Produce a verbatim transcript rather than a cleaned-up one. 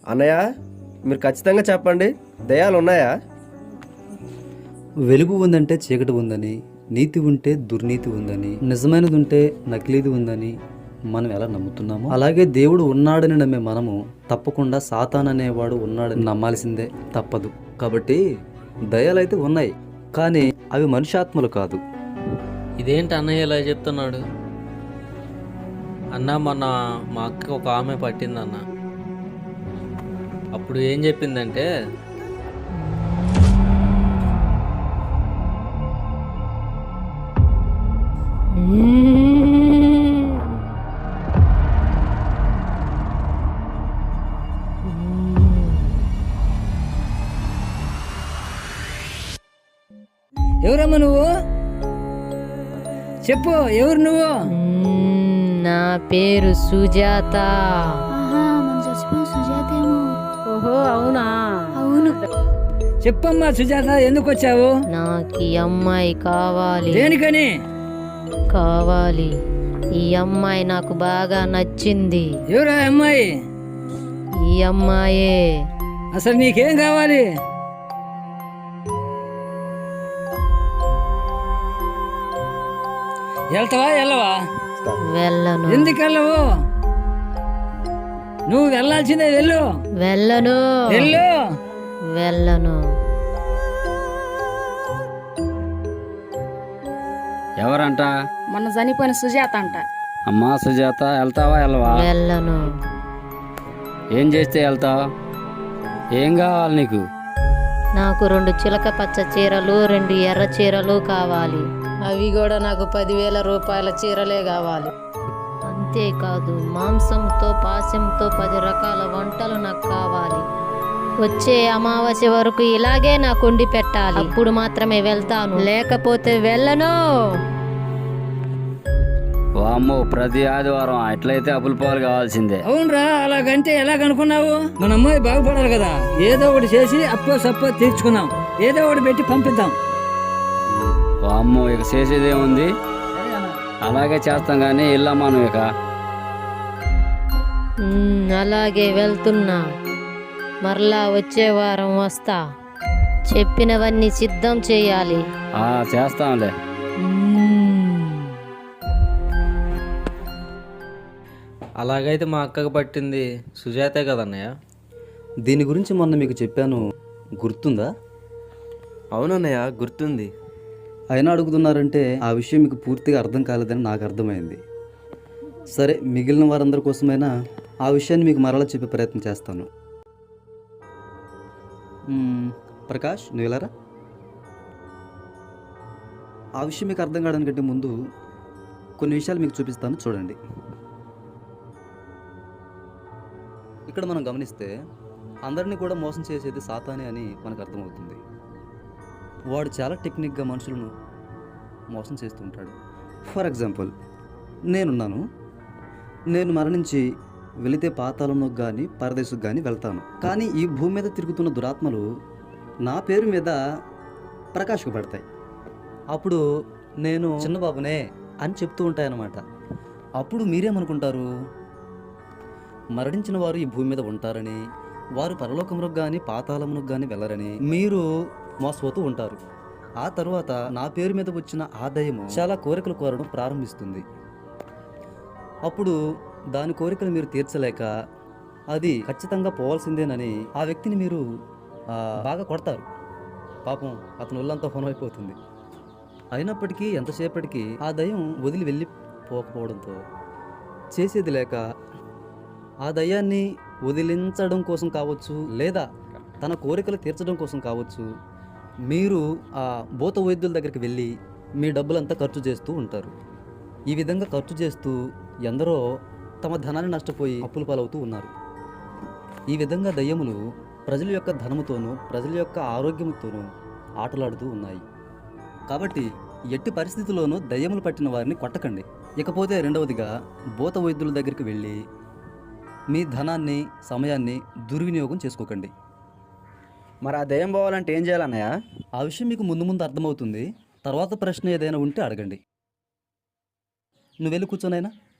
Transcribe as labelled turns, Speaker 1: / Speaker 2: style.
Speaker 1: అన్నయ్య, మీరు ఖచ్చితంగా చెప్పండి, దయ్యాలు ఉన్నాయా?
Speaker 2: వెలుగు ఉందంటే చీకటి ఉందని, నీతి ఉంటే దుర్నీతి ఉందని, నిజమైనది ఉంటే నకిలీది ఉందని మనం ఎలా నమ్ముతున్నామో, అలాగే దేవుడు ఉన్నాడని నమ్మే మనము తప్పకుండా సాతాన్ అనేవాడు ఉన్నాడని నమ్మాల్సిందే తప్పదు. కాబట్టి దయ్యాలైతే ఉన్నాయి, కానీ అవి మనుష్యాత్మలు కాదు.
Speaker 3: ఇదేంటి అన్నయ్య ఇలా చెప్తున్నాడు? అన్న మొన్న మా అక్క ఒక ఆమె పట్టిందన్న. అప్పుడు ఏం చెప్పిందంటే,
Speaker 4: ఎవరమ్మా నువ్వు? చెప్పు, ఎవరు నువ్వు?
Speaker 5: నా పేరు సుజాత. ఓహో అవునా?
Speaker 4: అవును. చెప్పమ్మా సుజాత, ఎందుకు వచ్చావు?
Speaker 5: నాకు ఈ అమ్మాయి కావాలి.
Speaker 4: దేనికని?
Speaker 5: కావాలి. ఈ అమ్మాయి నాకు బాగా నచ్చింది.
Speaker 4: ఎవరా అమ్మాయి?
Speaker 5: ఈ అమ్మాయే.
Speaker 4: అసలు నీకేం కావాలి? వెళ్తావా వెళ్ళవా?
Speaker 5: వెళ్ళను.
Speaker 4: ఎందుకు వెళ్ళవు? నువ్వు వెళ్ళాల్సిందే, వెళ్ళు.
Speaker 5: వెళ్ళను.
Speaker 4: వెళ్ళు.
Speaker 5: వెళ్ళను.
Speaker 6: ఎవరంట?
Speaker 7: మొన్న చనిపోయిన సుజాత అంట.
Speaker 6: అమ్మా సుజాత, వెళ్తావా వెళ్ళవా?
Speaker 5: వెళ్ళను.
Speaker 6: ఏం చేస్తే వెళ్తావు? ఏం కావాలి నీకు?
Speaker 5: నాకు రెండు చిలక పచ్చ చీరలు, రెండు ఎర్ర చీరలు కావాలి. అవి కూడా నాకు పదివేల రూపాయల చీరలే కావాలి. అంతేకాదు, మాంసంతో పాశంతో పది రకాల వంటలు నాకు కావాలి. వచ్చే అమావాస్య వరకు ఇలాగే నాకు వండి పెట్టాలి. అప్పుడు మాత్రమే వెళ్తాను, లేకపోతే వెళ్ళను.
Speaker 6: వామ్మో, ప్రతి ఆదివారం అట్లయితే అప్పుల పాలు కావాల్సిందే.
Speaker 4: అవునరా, అలాగంటే ఎలాగనుకున్నావు? మన అమ్మాయి బాగుపడాలి కదా, ఏదో ఒకటి చేసి అప్పో సప్పో తీర్చుకున్నాం, ఏదో ఒకటి పెట్టి పంపిద్దాం.
Speaker 6: వామ్మో, ఇక చేసేదేముంది, అలాగే చేస్తాం. కానీ ఇల్లమ్మా నువ్వు ఇక.
Speaker 5: ఉమ్, అలాగే వెళ్తున్నా. మరలా వచ్చే వారం వస్తా. చెప్పినవన్నీ సిద్ధం చేయాలి.
Speaker 6: ఆ, చేస్తాంలే.
Speaker 3: అలాగైతే మా అక్కకు పట్టింది సుజాతే కదన్నయ్య.
Speaker 2: దీని గురించి మొన్న మీకు చెప్పాను, గుర్తుందా?
Speaker 1: అవునన్నయ్య, గుర్తుంది.
Speaker 2: అయినా అడుగుతున్నారంటే ఆ విషయం మీకు పూర్తిగా అర్థం కాలేదని నాకు అర్థమైంది. సరే, మిగిలిన వారందరి కోసమైనా ఆ విషయాన్ని మీకు మరలా చెప్పే ప్రయత్నం చేస్తాను. మ్మ్, ప్రకాష్, నువ్వు వెళ్ళారా? ఆ విషయం మీకు అర్థం కావడానికంటే ముందు కొన్ని విషయాలు మీకు చూపిస్తాను, చూడండి. ఇక్కడ మనం గమనిస్తే అందరినీ కూడా మోసం చేసేది సాతానే అని మనకు అర్థమవుతుంది. వాడు చాలా టెక్నిక్గా మనుషులను మోసం చేస్తూ ఉంటాడు. ఫర్ ఎగ్జాంపుల్, నేనున్నాను. నేను మరణించి వెళితే పాతాళంలోకి కానీ పరదేశకు కానీ వెళ్తాను. కానీ ఈ భూమి మీద తిరుగుతున్న దురాత్మలు నా పేరు మీద ప్రకాశకు పడతాయి. అప్పుడు నేను చిన్నబాబునే అని చెప్తూ ఉంటాయన్నమాట. అప్పుడు మీరేమనుకుంటారు? మరణించిన వారు ఈ భూమి మీద ఉంటారని, వారు పరలోకమునకు కానీ పాతాళమునకు కానీ వెళ్ళరని మీరు మోసపోతూ ఉంటారు. ఆ తర్వాత నా పేరు మీద వచ్చిన ఆదాయము చాలా కోరికలు కోరడం ప్రారంభిస్తుంది. అప్పుడు దాని కోరికలు మీరు తీర్చలేక అది ఖచ్చితంగా పోవాల్సిందేనని ఆ వ్యక్తిని మీరు బాగా కొడతారు. పాపం అతని ఒళ్ళంతా హోనమైపోతుంది. అయినప్పటికీ ఎంతసేపటికి ఆ దయ్యం వదిలి వెళ్ళి పోకపోవడంతో చేసేది లేక ఆ దయ్యాన్ని వదిలించడం కోసం కావచ్చు, లేదా తన కోరికలు తీర్చడం కోసం కావచ్చు, మీరు ఆ భూత వైద్యుల దగ్గరికి వెళ్ళి మీ డబ్బులంతా ఖర్చు చేస్తూ ఉంటారు. ఈ విధంగా ఖర్చు చేస్తూ ఎందరో తమ ధనాన్ని నష్టపోయి అప్పుల పాలవుతూ ఉన్నారు. ఈ విధంగా దయ్యములు ప్రజల యొక్క ధనముతోనూ ప్రజల యొక్క ఆరోగ్యంతోనూ ఆటలాడుతూ ఉన్నాయి. కాబట్టి ఎట్టి పరిస్థితుల్లోనూ దయ్యములు పట్టిన వారిని కొట్టకండి. ఇకపోతే రెండవదిగా, భూత వైద్యుల దగ్గరికి వెళ్ళి మీ ధనాన్ని సమయాన్ని దుర్వినియోగం చేసుకోకండి.
Speaker 1: మరి ఆ దయ్యం పోవాలంటే ఏం చేయాలన్నయ్య?
Speaker 2: ఆ విషయం మీకు ముందు ముందు అర్థమవుతుంది. తర్వాత ప్రశ్న ఏదైనా ఉంటే అడగండి. నువ్వు వెళ్ళి కూర్చోనైనా.